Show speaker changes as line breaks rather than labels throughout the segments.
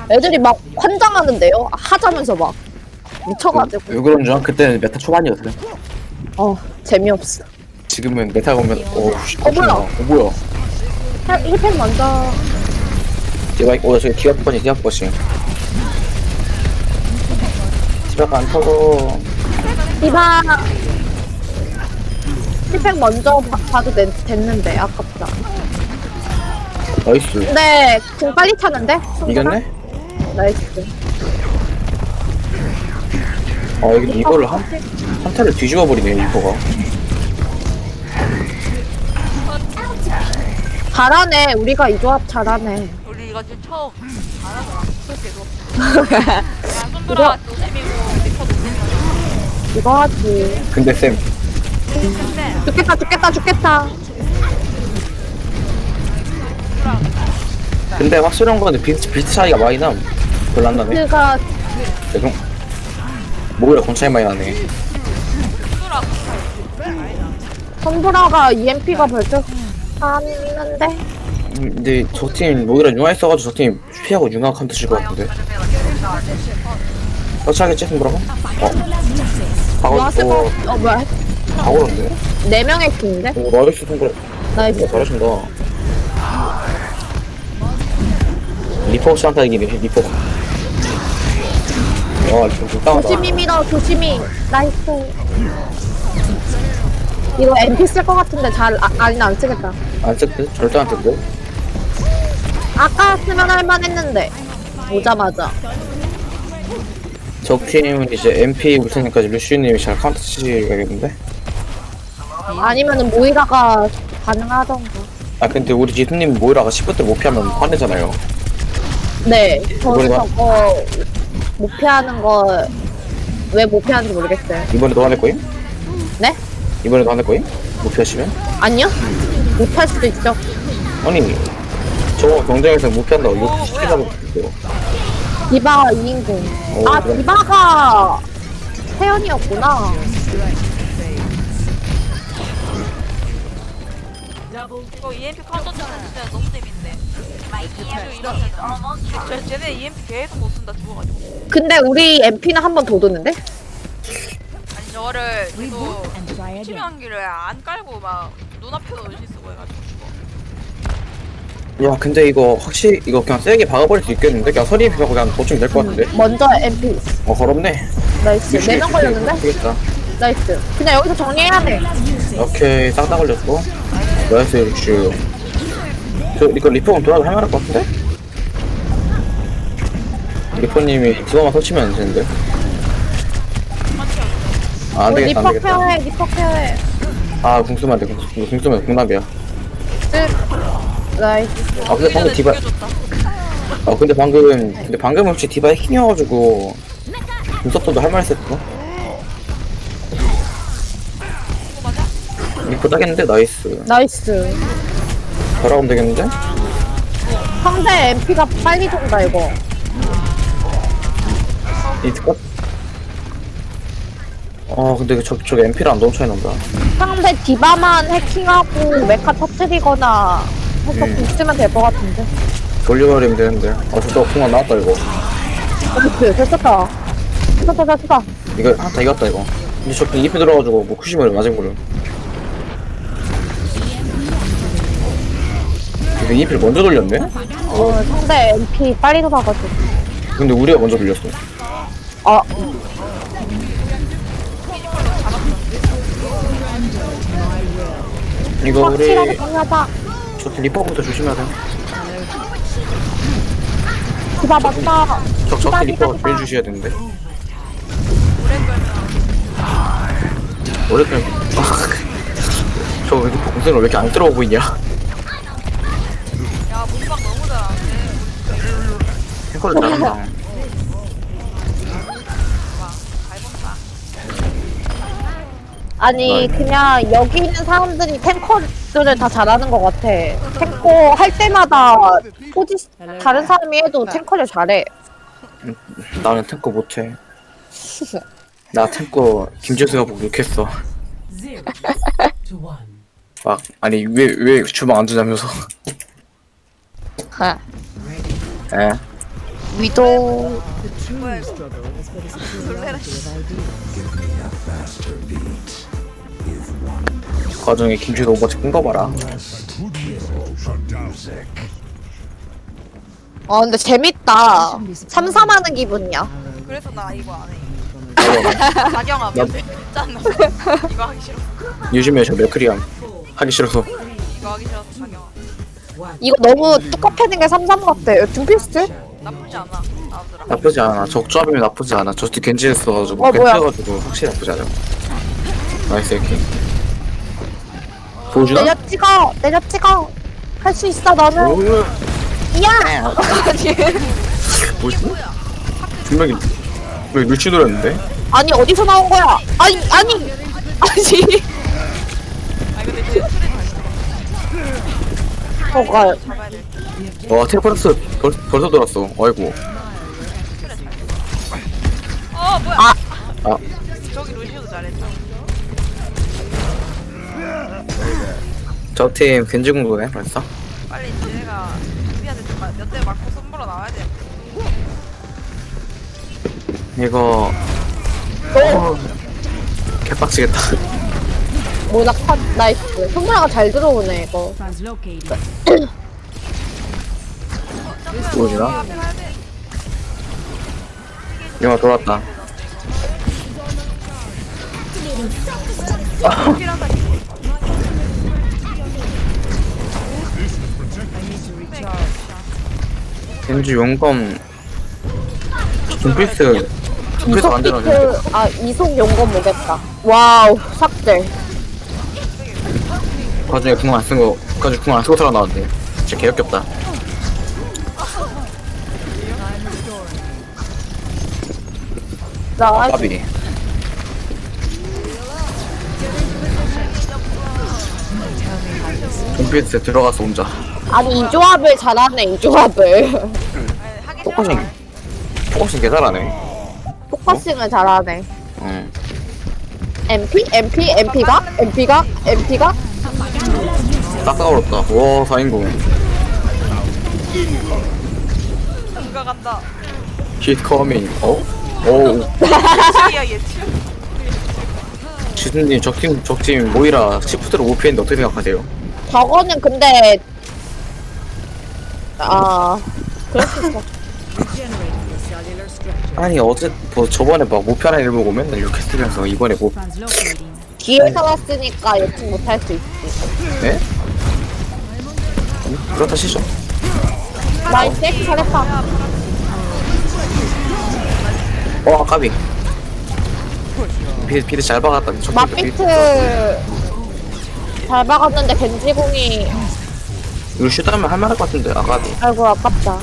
애들이 막 환장하는데요? 하자면서 막 미쳐가지고.
왜 그런 줄 알아? 그때는 메타 초반이었어요.
재미없어.
지금은 메타 보면
뭐야?
뭐야?
힐팩 먼저.
제가 저기 디아버시 디아가 안 터고.
디바 힐팩 먼저 봐도 됐는데 아깝다.
나이스.
근데 공 빨리 차는데?
이겼네?
나이스.
이거를 한타를 뒤집어 버리네 이거가.
잘하네. 우리가 이 조합 잘하네.
우리 이거 지금 처음 잘하더라. 계속. 야, 손들아 노잼이고 리퍼 노잼이고.
이거 하지.
근데 쌤
죽겠다.
근데 확실한 건데 비트 차이가 많이 남. 별로 안 나네.
그가
죄송. 뭐야 건 차이 많이 나네.
손브라가 EMP가 벌써 하는데?
근데 저 팀 오히려 융화 있어가지고 저 팀 피하고 융화 칸트 칠것 같은데. 터치하겠지 손보라고?
왔을 거. 뭐야?
다 걸었네.
4명의 팀인데?
오 나이스 손보라.
나이스.
잘하신다. 리퍼 없이 한타 이기네 리퍼가. 좀 불쌍하다.
조심히 밀어, 조심히. 나이스. 이거 MP 쓸 것 같은데 아니, 안 쓰겠다.
안 쓸듯? 절대 안 쓸듯?
아까 쓰면 할만 했는데. 오자마자.
적 팀은 이제 MP 올 테니까 루시우님이 잘 카운터 치시겠는데?
아니면은 모이라가 가능하던가.
근데 우리 지수님 모이라가 10분대 못 피하면 화내잖아요.
네, 저는
이번에도
저거 못 피하는 거 왜 못 피하는지 모르겠어요.
이번에도 화낼 거임?
네?
이번에도 화낼 거임? 못 피하시면?
아니요? 못 할 수도 있죠.
아니 저 경쟁에서 못 피한다고 이거 시키자고 했어요.
디바가 2인공.
오, 그래.
디바가 태연이었구나.
이거 EMP 카운터 치는 진짜 너무 재밌는데. 이러면 쟤네 EMP 계속 못 쓴다 죽어가지고.
근데 우리 MP는 한 번 더 도는데?
아니 저거를 계속 치명기를 안 깔고 막 눈앞에서 의심 쓰고 해가지고 죽어.
야 근데 이거 확실히 이거 그냥 세게 박아버릴 수 있겠는데? 그냥 서리 비하고 그냥 보충 될것 같은데?
먼저 MP.
걸었네.
나이스. 4명 걸렸는데?
되겠다.
나이스. 그냥 여기서 정리해야 돼.
오케이 싹 다 걸렸고. 나이스 루슈. 이거 리퍼는 돌아도 할만할 것 같은데? 리퍼님이 그거만 설치면 되는데. 안되겠다
리퍼
안되겠다.
케어해, 리퍼 케어해.
궁수면 안돼 궁수면 궁남이야.
나이스.
근데 방금 디바 근데 방금 혹시 디바 해킹이어가지고 눈썹도 할 말 했을 거? 리퍼 따겠는데? 나이스.
나이스.
돌아오면 되겠는데?
상대 MP가 빨리 돈다, 이거.
이트컷? 근데 저기 MP랑 너무 차이 난다.
상대 디바만 해킹하고 메카 터트리거나 해서 있으면 될 것 같은데.
돌려버리면 되는데. 저거 풍만 나왔다 이거.
그치, 됐었다. 됐었다.
이거 한타 이겼다 이거. 근데 저 EP 들어가지고 뭐 쿠시머리 맞은 거를. 근데 EP를 먼저 돌렸네?
상대 MP 빨리 돌아가지고.
근데 우리가 먼저 돌렸어. 이거 우리
확실하게 정리하자.
저 리퍼부터 조심해야 돼.
디바 맞다.
적적 리퍼가 빼주셔야 되는데. 오래 끌. 저 리퍼 공세는 왜 이렇게 안 들어오고 보이냐?
야 몸박 너무 잘하는데.
탱커를 잘한다.
잘 본다.
아니, 그냥 여기 있는 사람들이 탱커들을 다 잘하는 것 같아. 탱커 할 때마다 다른 사람이 해도 탱커를 잘해.
나는 탱커 못해. 나 탱커 김재수가 보고 욕했어. 아니 왜 주방 안 두냐면서. 에?
위도
뭐야 이거 놀래라 씨.
그 과정에 김치도 오버치 끈거봐라.
아 근데 재밌다. 삼삼하는 기분이야.
그래서 나 이거 안해
나
박영아 짠나 이거 하기 싫어
요즘에 저 맥크리암 하기 싫어서.
이거 하기 싫어서 박영아
이거 너무 뚜껑패는 게 삼삼 같아. 둠피스트?
나쁘지 않아 나오더라
나쁘지 않아. 적조합이면 나쁘지 않아. 저스트 겐지 했어가지고
어,
겐지
뭐야.
해가지고 확실히 나쁘지 않아. 나이스 이렇게 보여주나?
내려 찍어. 할 수 있어 너는.
오,
야.
뭐지? 분명히 왜 루치 노렸는데?
아니 어디서 나온 거야? 아니.
아니 근데 쟤 술에 다시
뭐가?
잡아야 돼
와 텔레포트 벌써 돌았어. 아이고.
뭐야
아.
아
저기 루시오도 잘했죠
저 팀 겐지 공부네 벌써?
빨리 쟤네가 우리한테 좀 몇 대 맞고 손보러 나와야 돼
이거 개빡치겠다.
모나 컷 나이스. 손가락 잘 들어오네 이거.
보여주나?
앞에 가야 돼
영화 돌았다.
필요하다
겐지 용검 둠피스 만들어 줬는데
이속 이속 용건 오겠다. 와우 삭제.
과중에 궁 안 쓴거 까지 궁 안 쓰고 살아나왔네. 진짜 개역겹다.
나
까비. 둠피스 들어가서 혼자
아니 이 조합을 잘하네 이 조합을.
하기
포커싱 개 잘하네.
포커싱을 잘하네.
응.
MP가
딱 어렵다. 와 4인공
누가 간다
He's coming. 어? 오
예측이야 예측
지수님 적팀 모이라 시프트로 못 피했는데 어떻게 생각하세요?
저거는 근데 그럴 수 있어.
아니 어제 뭐 저번에 막 목표하는 일 보고 맨날 이렇게 쓰면서 이번에 뭐
뒤에 살았으니까 예측 못할 수 있지.
네? 그렇다 치죠.
나이스 잘했다.
까비. 비드 잘 박았다.
맛비트 잘 박았는데 겐지공이
이거 슛하면 할만할 것 같은데 아까도.
아이고 아깝다.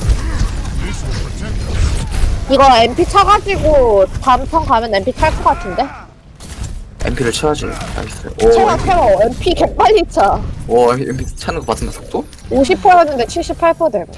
이거 MP 차가지고 다음 턴 가면 MP 탈 것 같은데?
MP를 쳐야지. 나이스.
채워 MP 개빨리 차.
오 MP 차는 거 봤습니다 속도?
50%였는데 78% 되고.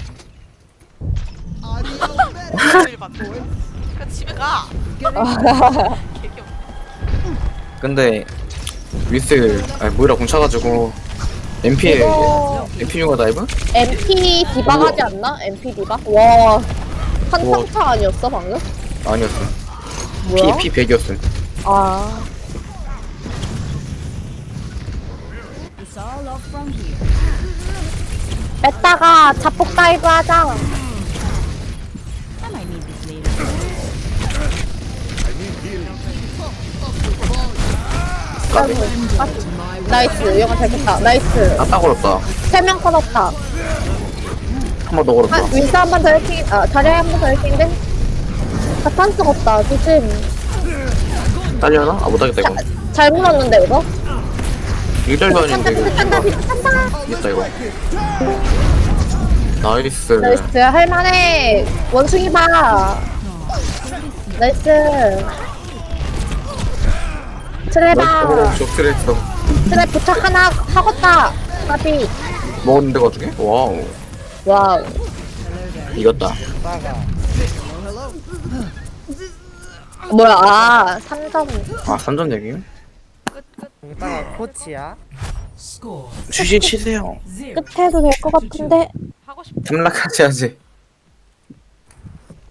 그 집에 가 개겨
근데 위스 모이라 공차가지고 MP에
이거
MP 융화 다이브?
MP 디바 하지 않나? MP 디바? 와 한상차 아니었어 방금?
아니었어.
뭐야?
P 100이었음.
아 뺐다가 자폭 다이브 하자. 나이스 영화 잘 뺐다. 나이스
아딱 걸었다.
3명 커졌다.
한 번 더 걸었다.
윈스 한 번 더 해킹 자리에 한 번 더 해킹인데 자탄 쓰겠다. 조심.
딸려나? 못하겠다 이거.
잘 물었는데 이거?
일절도
탄다
아닌데
탄다
이거.
탄다.
있다 이거. 나이스.
나이스 할만해. 원숭이 봐. 나이스. 트레바.
적스레했어.
트레 부착 하나 하겠다. 까비.
먹었는데 가중에? 와우.
와우.
이겼다.
뭐야 3점.
3점 얘기?
이따가 코치야.
주신 치세요.
끝에도 될 것 같은데.
하고 싶다
탐락하지 하지.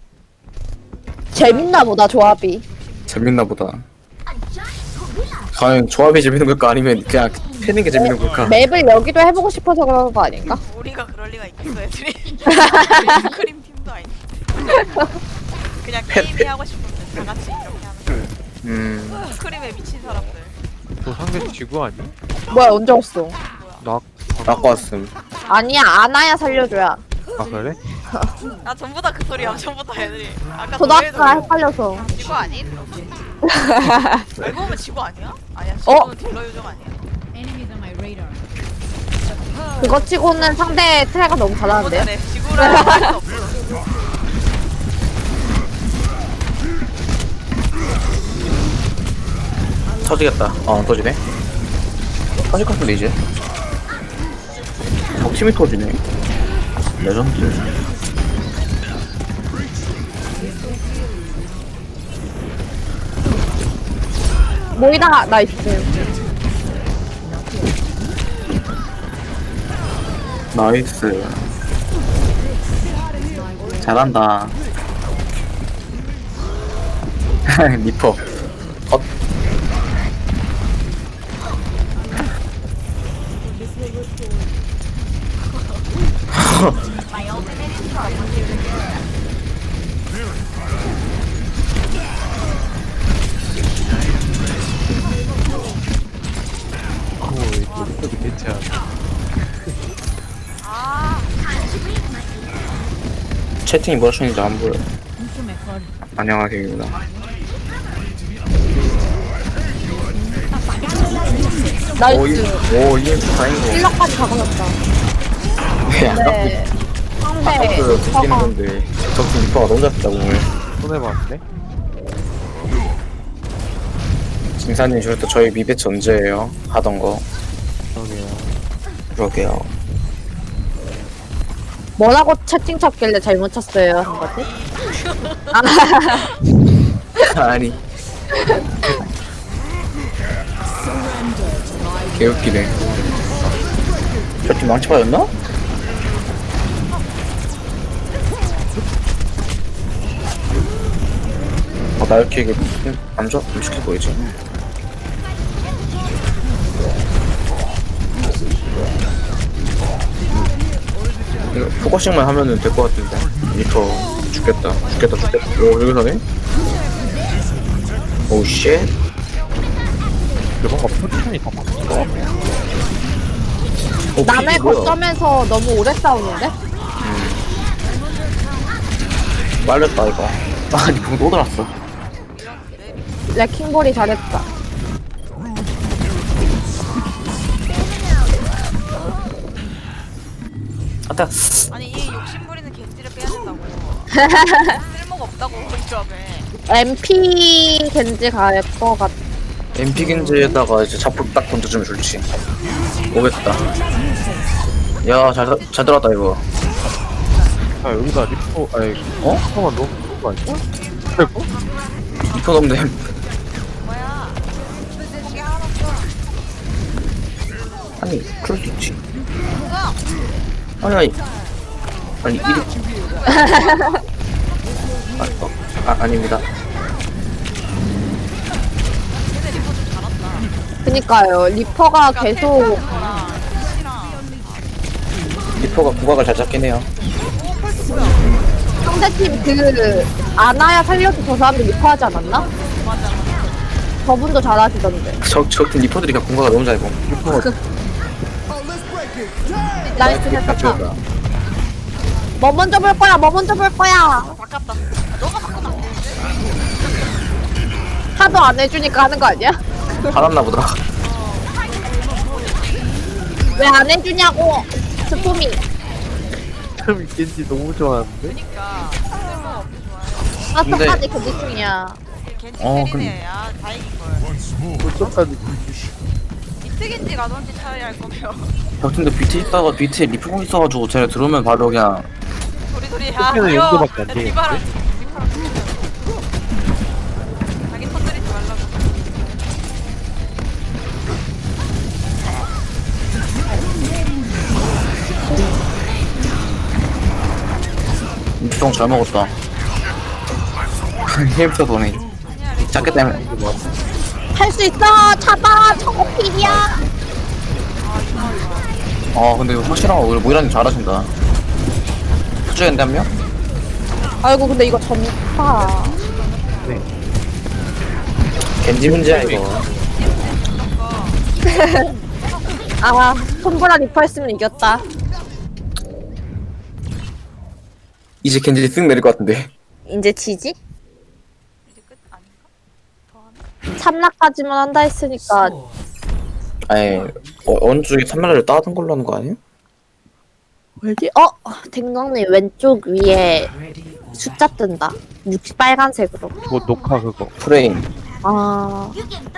재밌나 보다 조합이.
재밌나 보다. 과연 조합이 재밌는 걸까 아니면 그냥 패는 게 재밌는 걸까?
맵을 여기도 해보고 싶어서 그런 거 아닌가?
우리가 그럴 리가 있겠어 애들이. 크림 팀도 아닌데. 그냥 게임이 하고 싶은데 다 같이 이렇게 하는 거. 크림에 미친 사람들.
너 상대 지구 아니?
뭐야 언제 왔어?
나
갖고 왔음.
아니야 아나야 살려줘야.
아 그래?
아 전부 다 그 소리야. 전부 다 애들이. 아까
초등학교가 헷갈려서.
지구 아닌? 알고 보면 지구 아니야? 아니야.
어?
지구는 딜러 요정 아니야.
그거 치고는 상대 트레가 너무 잘하는데요?
못하네. 지구라는 할수 없어.
터지겠다. 터지네. 터질 것 같은데 이제. 적팀이 터지네. 레전드.
모이다 나이스.
나이스. 잘한다. 리퍼. 컷.
이거 괜찮아.
채팅이 뭐라 쓰는지 안 보여. 안녕하세요입니다.
나이스.
오, 이게 다행이고.
1럭까지 가보셨다.
네,
네. 상대
아까도 듣기는
리퍼가
건데 적팀 리퍼가 너무 잘했다 오늘.
손해봤네?
김사님 저부터 저희 미배치 언제예요? 하던 거.
그러게요.
그러게요.
뭐라고 채팅 쳤길래 잘못 쳤어요 한 거지?
아니. 개웃기네. 저팀 망치 빠졌나? 나 이렇게 이게 안 좋아? 안 시켜 보이지? 이거 포커싱만 하면은 될 것 같은데. 리터 죽겠다. 오, 여기서 네 오, 쉣.
근데 뭔가 포지션이 더 바뀌어.
남의
피디 뭐야?
거점에서 너무 오래 싸우는데?
말렸다, 이거. 아니, 붕 또 들었어.
레킹볼이 잘했다.
아따,
아니 이 욕심부리는 겐지를 빼야 된다고. 쓸모가 없다고 이 조합에.
MP 겐지 갈 것 같아.
MP 겐지에다가 이제 자폭 딱 던져주면 좋지. 오겠다. 야, 잘 들어왔다, 이거.
아 여기다 리포 아니 리포만 너무 좋은 거 아니야? 그리고
리퍼 넘네.
뭐야? 거기 하나 없어.
아니, 그럴 수 있지. 아니, 이리. 아닙니다.
근데 리포 좀 잘한다.
그니까요. 리퍼가 계속
아,
리퍼가 국악을 잘 잡긴 해요.
상대팀 그 아나야 살려서 저 사람들 리퍼 하지 않았나?
맞아.
저분도 잘하시던데.
적팀 리퍼들이 그냥 국악을 너무 잘 보. 리퍼가
나이스 했었다.
다
뭐 먼저 볼 거야? 뭐 먼저 볼 거야?
바꿨다. 너가 바꾸면 안 되는데?
하도 안 해주니까 하는 거 아니야?
받았나 보다.
왜 안 해주냐고 스포미.
참 겐지 너무 좋아하는데?
그니까 쓸모가 없게 좋아해.
아까까지 겐지 중이야.
겐지
어,
캐리네. 아 다행인걸.
어쩌까지
비트 겐지 가던지 차라리 할 거면.
적팀도 BT 있다가 BT에 리퍼공 있어가지고 쟤네 들어오면 바로 그냥
도리도리
그때는 용도밖에 안 되겠는데?
리바랑 자기 터뜨리지 말라고.
리퍼공 잘 먹었다. 힐부터 도네. 작게 때문에.
할 수 있어. 잡아. 저거 필이야.
근데 이거 확실한 거 우리 모이라님 잘하신다. 수주했는데 한 명?
아이고 근데 이거 전파.
겐지 문제야 이거.
아 손보라 리퍼 했으면 이겼다.
이제 겐지 쓱 내릴 것 같은데.
이제 지지?
이제 끝 아닌가? 더 하나?
참나까지만 한다 했으니까
아니 어느 쪽에 3마리를 따던 걸로 하는 거 아니야?
어디? 댕강님 왼쪽 위에 숫자 뜬다. 60 빨간색으로.
그거 녹화 그거.
프레임.
아.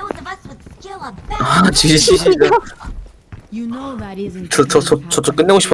지지.
You know that isn't
저쪽 끝내고 싶어.